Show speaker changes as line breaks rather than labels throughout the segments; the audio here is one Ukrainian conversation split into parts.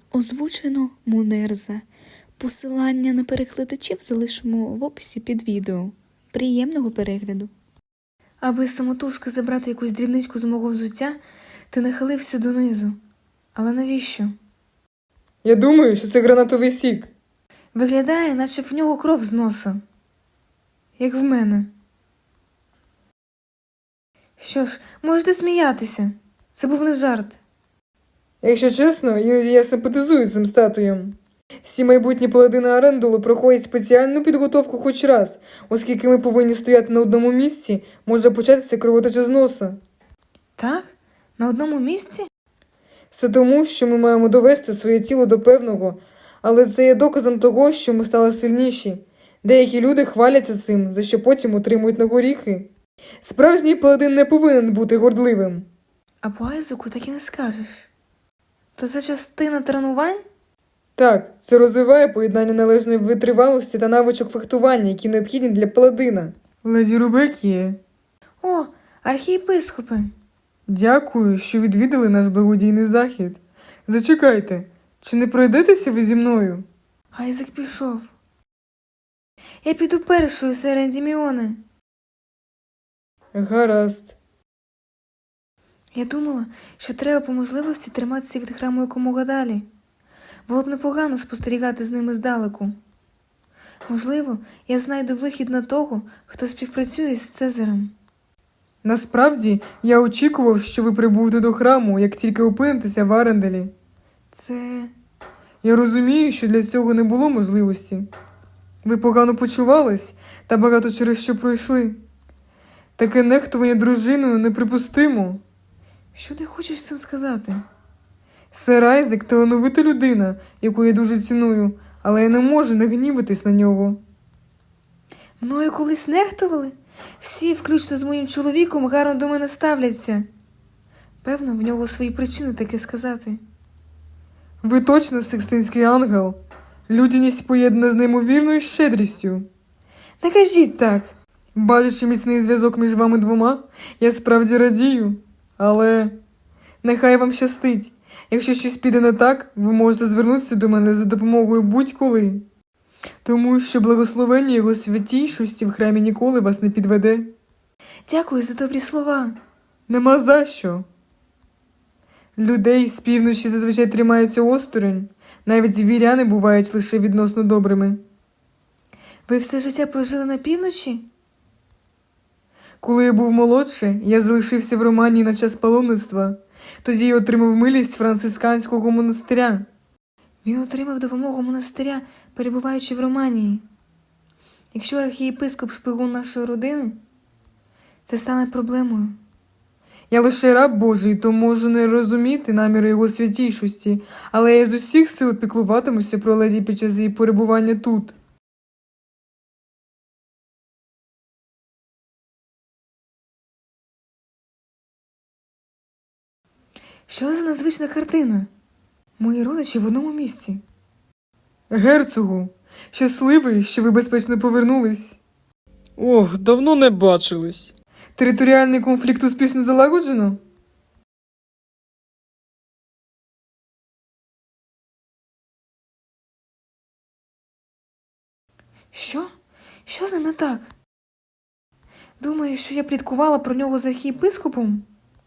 Озвучено Мунерза. Посилання на перекладачів залишимо в описі під відео. Приємного перегляду. Аби самотужки забрати якусь дрібничку з мого взуття, ти нахилився донизу. Але навіщо?
Я думаю, що це гранатовий сік.
Виглядає, наче в нього кров з носа. Як в мене. Що ж, можете сміятися. Це був не жарт.
Якщо чесно, іноді я симпатизую цим статуям. Всі майбутні паладини Арендулу проходять спеціальну підготовку хоч раз, оскільки ми повинні стояти на одному місці, може початися кровотеча з носа.
Так? На одному місці?
Все тому, що ми маємо довести своє тіло до певного, але це є доказом того, що ми стали сильніші. Деякі люди хваляться цим, за що потім отримують на горіхи. Справжній паладин не повинен бути гордливим.
А по Айзеку так і не скажеш. То це частина тренувань?
Так, це розвиває поєднання належної витривалості та навичок фехтування, які необхідні для паладина. Леді Рубекіє.
О, архієпископи.
Дякую, що відвідали наш благодійний захід. Зачекайте, чи не пройдетеся ви зі мною?
Айзек пішов. Я піду першою серед Діміони.
Гаразд.
Я думала, що треба по можливості триматися від храму якомога далі. Було б непогано спостерігати з ними здалеку. Можливо, я знайду вихід на того, хто співпрацює з Цезарем.
Насправді, я очікував, що ви прибудете до храму, як тільки опинитеся в Аренделі.
Це...
Я розумію, що для цього не було можливості. Ви погано почувались та багато через що пройшли. Таке нехтування дружиною неприпустимо.
Що ти хочеш цим сказати?
Сер Айзек – талановита людина, яку я дуже ціную, але я не можу не гнівитись на нього.
Мною колись нехтували? Всі, включно з моїм чоловіком, гарно до мене ставляться. Певно, в нього свої причини таке сказати.
Ви точно Сикстинський ангел. Людяність поєднана з неймовірною щедрістю.
Не кажіть так.
Бачачи міцний зв'язок між вами двома, я справді радію. Але нехай вам щастить. Якщо щось піде не так, ви можете звернутися до мене за допомогою будь-коли. Тому що благословення його святійшості в храмі ніколи вас не підведе.
Дякую за добрі слова.
Нема за що. Людей з півночі зазвичай тримаються осторонь. Навіть звіряни бувають лише відносно добрими.
Ви все життя прожили на півночі?
Коли я був молодший, я залишився в Романії на час паломництва. Тоді я отримав милість францисканського монастиря.
Він отримав допомогу монастиря, перебуваючи в Романії. Якщо архієпископ шпигун нашої родини, це стане проблемою.
Я лише раб Божий, то можу не розуміти наміри його святійшості, але я з усіх сил піклуватимуся про леді під час її перебування тут.
Що за незвична картина? Мої родичі в одному місці.
Герцогу, щасливий, що ви безпечно повернулись.
Ох, давно не бачились.
Територіальний конфлікт успішно залагоджено?
Що? Що з ним не так? Думаєш, що я пліткувала про нього з архієпископом?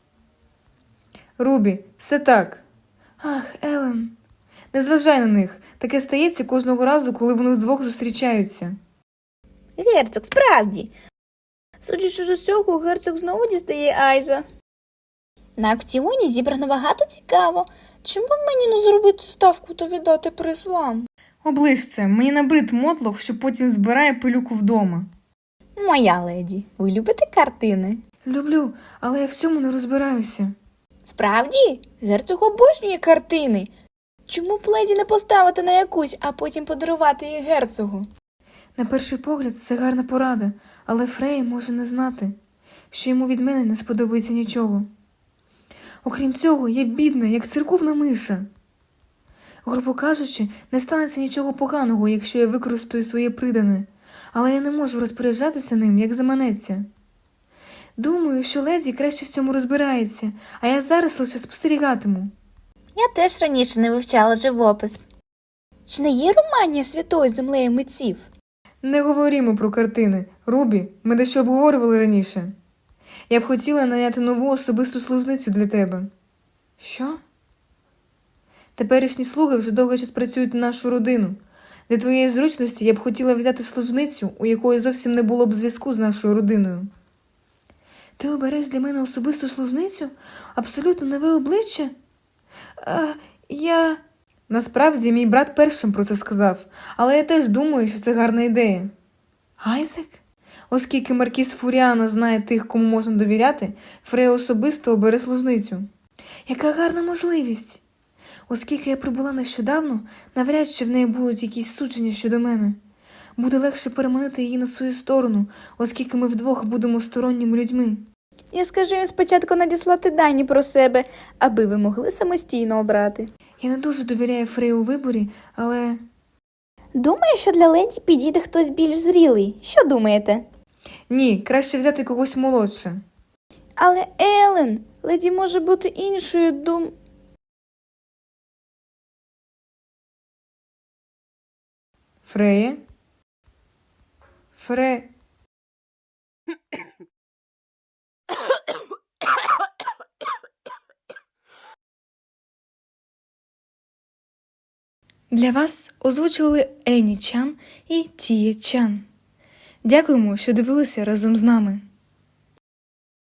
Рубі, все так.
Ах, Елен, не зважай на них. Таке стається кожного разу, коли вони вдвох зустрічаються.
Герцог, справді. Судячи з усього, герцог знову дістає Айза. На аукціоні зібрано багато цікаво. Чому б мені не зробити ставку та віддати приз вам?
Оближ це, мені набрид мотлох, що потім збирає пилюку вдома.
Моя леді, ви любите картини?
Люблю, але я в цьому не розбираюся.
Справді? Герцог обожнює картини. Чому б леді не поставити на якусь, а потім подарувати її герцогу?
На перший погляд, це гарна порада, але Фрей може не знати, що йому від мене не сподобається нічого. Окрім цього, я бідна, як церковна миша. Грубо кажучи, не станеться нічого поганого, якщо я використаю своє придане, але я не можу розпоряджатися ним, як заманеться. Думаю, що леді краще в цьому розбирається, а я зараз лише спостерігатиму.
Я теж раніше не вивчала живопис. Чи не є Романія святою землею митців?
Не говоримо про картини. Рубі, ми дещо обговорювали раніше. Я б хотіла наняти нову особисту служницю для тебе.
Що?
Теперішні слуги вже довгий час працюють на нашу родину. Для твоєї зручності я б хотіла взяти служницю, у якої зовсім не було б зв'язку з нашою родиною.
Ти обереш для мене особисту служницю? Абсолютно нове обличчя? Я...
Насправді, мій брат першим про це сказав, але я теж думаю, що це гарна ідея.
Айзек?
Оскільки маркіз Фуріана знає тих, кому можна довіряти, Фрея особисто обере служницю.
Яка гарна можливість! Оскільки я прибула нещодавно, навряд чи в неї будуть якісь судження щодо мене. Буде легше переманити її на свою сторону, оскільки ми вдвох будемо сторонніми людьми.
Я скажу їм спочатку надіслати дані про себе, аби ви могли самостійно обрати.
Я не дуже довіряю Фреї у виборі, але...
Думаю, що для леді підійде хтось більш зрілий. Що думаєте?
Ні, краще взяти когось молодше.
Але Елен, леді може бути іншою
Фрея?
Для вас озвучували Ені Чан і Тіє Чан. Дякуємо, що дивилися разом з нами.